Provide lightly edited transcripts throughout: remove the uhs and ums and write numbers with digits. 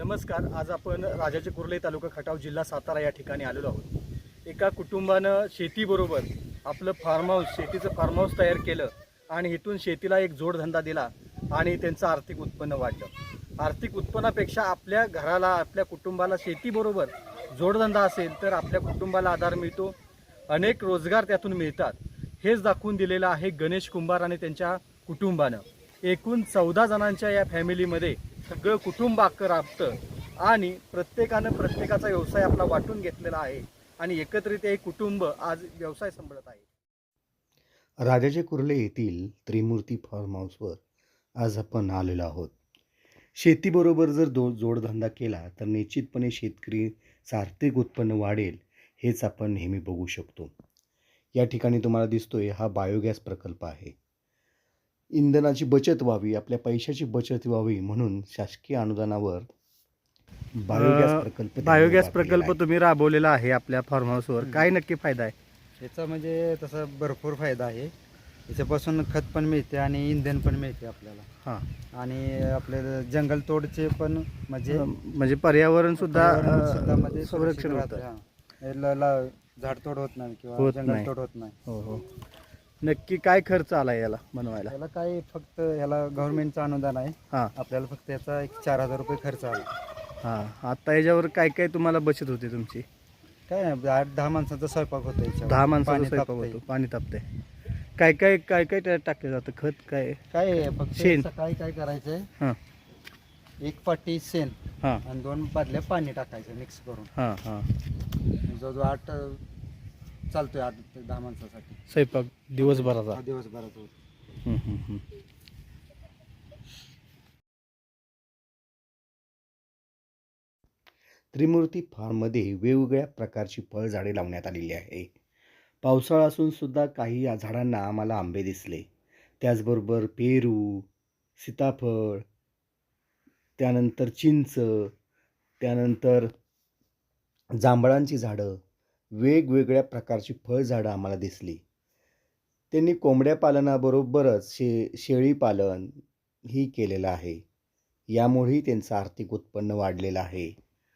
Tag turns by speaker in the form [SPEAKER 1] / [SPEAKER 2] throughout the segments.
[SPEAKER 1] नमस्कार. आज आपण राजाचे कुर्ले तालुका खटाव जिल्हा सातारा या ठिकाणी आलेलो आहोत. एका कुटुंबानं शेतीबरोबर आपलं शेतीचं फार्म हाऊस तयार केलं आणि इथून शेतीला एक जोडधंदा दिला आणि त्यांचं आर्थिक उत्पन्न वाढलं. आर्थिक उत्पन्नापेक्षा आपल्या घराला, आपल्या कुटुंबाला शेतीबरोबर जोडधंदा असेल तर आपल्या कुटुंबाला आधार मिळतो, अनेक रोजगार त्यातून मिळतात. हेच दाखवून दिलेलं आहे गणेश कुंभार आणि त्यांच्या कुटुंबानं. एकूण 14 जणांच्या या फॅमिलीमध्ये सगळं कुटुंब अख्खं राबतं आणि प्रत्येकानं प्रत्येकाचा व्यवसाय आपला वाटून घेतलेला आहे आणि एकत्रित हे कुटुंब आज व्यवसाय सांभाळत आहे.
[SPEAKER 2] राजाचे कुर्ले येथील त्रिमूर्ती फार्म हाऊसवर आज आपण आलेलो आहोत. शेतीबरोबर जर जोडधंदा केला तर निश्चितपणे शेतकरीचं आर्थिक उत्पन्न वाढेल, हेच आपण नेहमी बघू शकतो. या ठिकाणी तुम्हाला दिसतोय हा बायोगॅस प्रकल्प आहे. इंधनाची बचत व्हावी, आपल्या पैशाची बचत व्हावी म्हणून शासकीय अनुदानावर
[SPEAKER 1] बायोगॅस प्रकल्प तुम्ही राबवलेला आहे आपल्या फार्म हाऊसवर. काय नक्की फायदा आहे
[SPEAKER 3] याचा? म्हणजे तसा भरपूर फायदा आहे. याच्यापासून खत पण मिळते आणि इंधन पण मिळते आपल्याला.
[SPEAKER 1] हां,
[SPEAKER 3] आणि आपले जंगलतोडचे पण
[SPEAKER 1] म्हणजे पर्यावरण सुद्धा
[SPEAKER 3] म्हणजे
[SPEAKER 1] संरक्षण
[SPEAKER 3] राहतं.
[SPEAKER 1] होतं.
[SPEAKER 3] हां. झाडतोड होत नाही किंवा
[SPEAKER 1] होत नाही.
[SPEAKER 3] जंगलतोड होत नाही.
[SPEAKER 1] हो हो. नक्की काय खर्च आला याला बनवायला?
[SPEAKER 3] याला काय फक्त याला गव्हर्नमेंटचं अनुदान आहे.
[SPEAKER 1] हां
[SPEAKER 3] आपल्याला फक्त याचा एक 4,000 रुपये खर्च आला.
[SPEAKER 1] हां. आता याच्यावर काय काय तुम्हाला बचत होते तुमची?
[SPEAKER 3] काय नाही, 8-10 माणसांचा स्वयंपाक होतो याच्यावर.
[SPEAKER 1] 10 माणसाचा
[SPEAKER 3] पाणी
[SPEAKER 1] स्वयंपाक
[SPEAKER 3] तापतंय.
[SPEAKER 1] होतो, पाणी तापते. काय काय काय काय त्यात टाकलं जातं? खत काय?
[SPEAKER 3] काय आहे, फक्त
[SPEAKER 1] शेण.
[SPEAKER 3] सकाळी काय करायचंय,
[SPEAKER 1] हां
[SPEAKER 3] 1 पाटी शेण
[SPEAKER 1] हां
[SPEAKER 3] आणि 2 बादल्या पाणी टाकायचं मिक्स करून.
[SPEAKER 1] हां हां.
[SPEAKER 3] जवळजवळ 8 चालतोय, 8 ते 10 माणसासाठी
[SPEAKER 1] स्वयंपाक दिवसभराचा.
[SPEAKER 3] दिवसभरात होतो.
[SPEAKER 1] हं, हं, हं.
[SPEAKER 2] त्रिमूर्ती फार्ममध्ये वेगवेगळ्या प्रकारची फळझाडे लावण्यात आलेली आहे. पावसाळा असून सुद्धा काही या झाडांना आम्हाला आंबे दिसले. त्याचबरोबर पेरू, सीताफळ, त्यानंतर चिंच, त्यानंतर जांभळांची झाडं, वेगवेगळ्या प्रकारची फळझाडं आम्हाला दिसली. त्यांनी कोंबड्या पालनाबरोबरच शेळी पालन ही केलेलं आहे. यामुळेही त्यांचं आर्थिक उत्पन्न वाढलेलं आहे.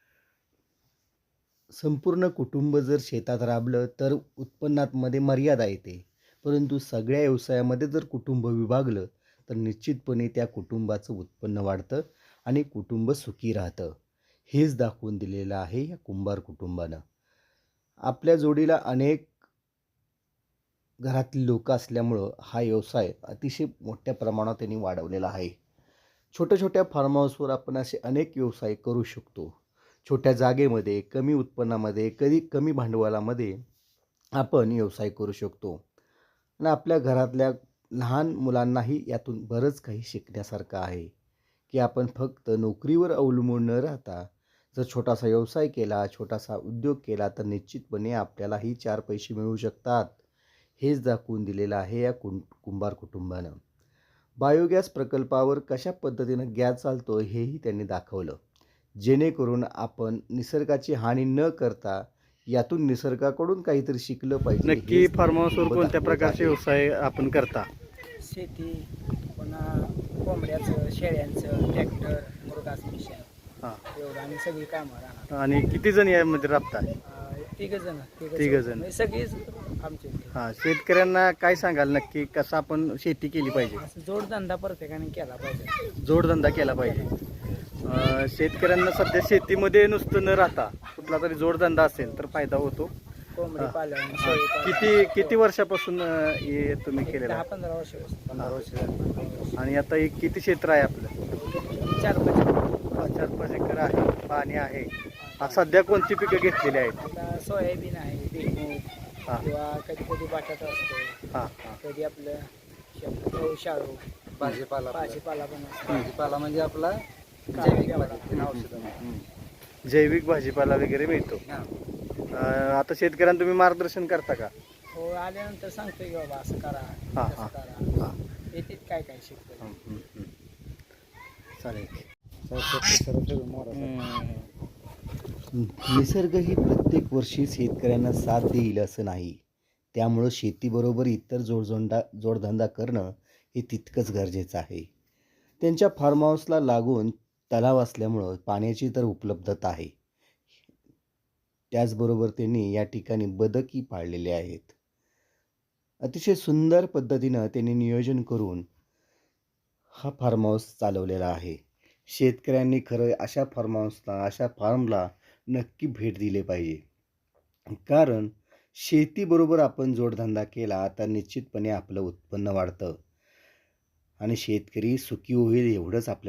[SPEAKER 2] संपूर्ण कुटुंब जर शेतात राबलं तर उत्पन्नामध्ये मर्यादा येते, परंतु सगळ्या व्यवसायामध्ये जर कुटुंब विभागलं तर निश्चितपणे त्या कुटुंबाचं उत्पन्न वाढतं आणि कुटुंब सुखी राहतं. हेच दाखवून दिलेलं आहे या कुंभार कुटुंबानं. आपल्या जोडीला अनेक घरातील लोक असल्यामुळं हा व्यवसाय अतिशय मोठ्या प्रमाणात त्यांनी वाढवलेला आहे. छोट्या छोट्या फार्म हाऊसवर आपण असे अनेक व्यवसाय करू शकतो. छोट्या जागेमध्ये, कमी उत्पन्नामध्ये, कमी भांडवलामध्ये आपण व्यवसाय करू शकतो आणि आपल्या घरातल्या लहान मुलांनाही यातून बरंच काही शिकण्यासारखं आहे की आपण फक्त नोकरीवर अवलंबून न राहता जर छोटासा व्यवसाय केला, छोटासा उद्योग केला तर निश्चितपणे आपल्यालाही 4 पैसे मिळू शकतात. हेच दाखवून दिलेलं आहे या कुंभार कुटुंबानं. बायोगॅस प्रकल्पावर कशा पद्धतीनं गॅस चालतो हेही त्यांनी दाखवलं, जेणेकरून आपण निसर्गाची हानी न करता यातून निसर्गाकडून काहीतरी शिकलं पाहिजे.
[SPEAKER 1] नक्की फार्म हाऊसवर कोणत्या प्रकारचे व्यवसाय आपण करता?
[SPEAKER 4] शेती, पुन्हा कोंबड्याचं, शेळ्यांचं, ट्रॅक्टर, मुरघास मिशन,
[SPEAKER 1] हां.
[SPEAKER 4] एवढं आणि सगळी कामं राहणार.
[SPEAKER 1] आणि किती जण यामध्ये राबता?
[SPEAKER 4] तिघ जण. सगळीच आमचे.
[SPEAKER 1] हां. शेतकऱ्यांना काय सांगाल नक्की कसं आपण शेती केली पाहिजे?
[SPEAKER 4] असं जोडधंदा प्रत्येकाने केला पाहिजे.
[SPEAKER 1] जोडधंदा केला पाहिजे. शेतकऱ्यांना सध्या शेतीमध्ये नुसतं न राहता कुठला तरी जोडधंदा असेल तर फायदा होतो.
[SPEAKER 4] कोंबडी पालन, शेळी पालन.
[SPEAKER 1] किती वर्षापासून हे तुम्ही केलेलं आहे?
[SPEAKER 4] 10-15 वर्षापासून.
[SPEAKER 3] 15 वर्ष झाली.
[SPEAKER 1] आणि आता हे किती क्षेत्र आहे आपलं?
[SPEAKER 4] 4-5
[SPEAKER 1] एकर आहे, पाणी आहे. आता सध्या कोणती पिकं घेतलेली आहेत?
[SPEAKER 4] आता सोयाबीन आहे, भुईमूग,
[SPEAKER 1] हां
[SPEAKER 4] किंवा कधी बटाटा असतो,
[SPEAKER 1] हां हां.
[SPEAKER 4] कधी आपलं शाळू,
[SPEAKER 3] भाजीपाला
[SPEAKER 4] भाजीपाला पण असतो.
[SPEAKER 3] भाजीपाला म्हणजे आपला जैविक पद्धतीने औषधं.
[SPEAKER 1] जैविक भाजीपाला वगैरे मिळतो. आता शेतकऱ्यांना तुम्ही मार्गदर्शन करता का?
[SPEAKER 4] हो, आल्यानंतर सांगतोय की बाबा असं करा,
[SPEAKER 1] हां
[SPEAKER 4] तसं
[SPEAKER 1] हां
[SPEAKER 4] करा.
[SPEAKER 1] हां.
[SPEAKER 4] येते काय शिकतो.
[SPEAKER 1] चालेल.
[SPEAKER 2] निसर्ग ही प्रत्येक वर्षी शेतकऱ्यांना साथ देईल असं नाही. त्यामुळं शेतीबरोबर इतर जोडधंदा करणं हे तितकंच गरजेचं आहे. त्यांच्या फार्म हाऊसला लागून तलाव असल्यामुळं पाण्याची तर उपलब्धता आहे. त्याचबरोबर त्यांनी या ठिकाणी बदकही पाळलेले आहेत. अतिशय सुंदर पद्धतीनं त्यांनी नियोजन करून हा फार्म हाऊस चालवलेला आहे. शेतकऱ्यांनी खरं अशा फार्म हाऊसला, अशा फार्मला नक्की भेट दिली पाहिजे. कारण शेतीबरोबर आपण जोडधंदा केला तर निश्चितपणे आपलं उत्पन्न वाढतं आणि शेतकरी सुखी होईल एवढंच आपल्याला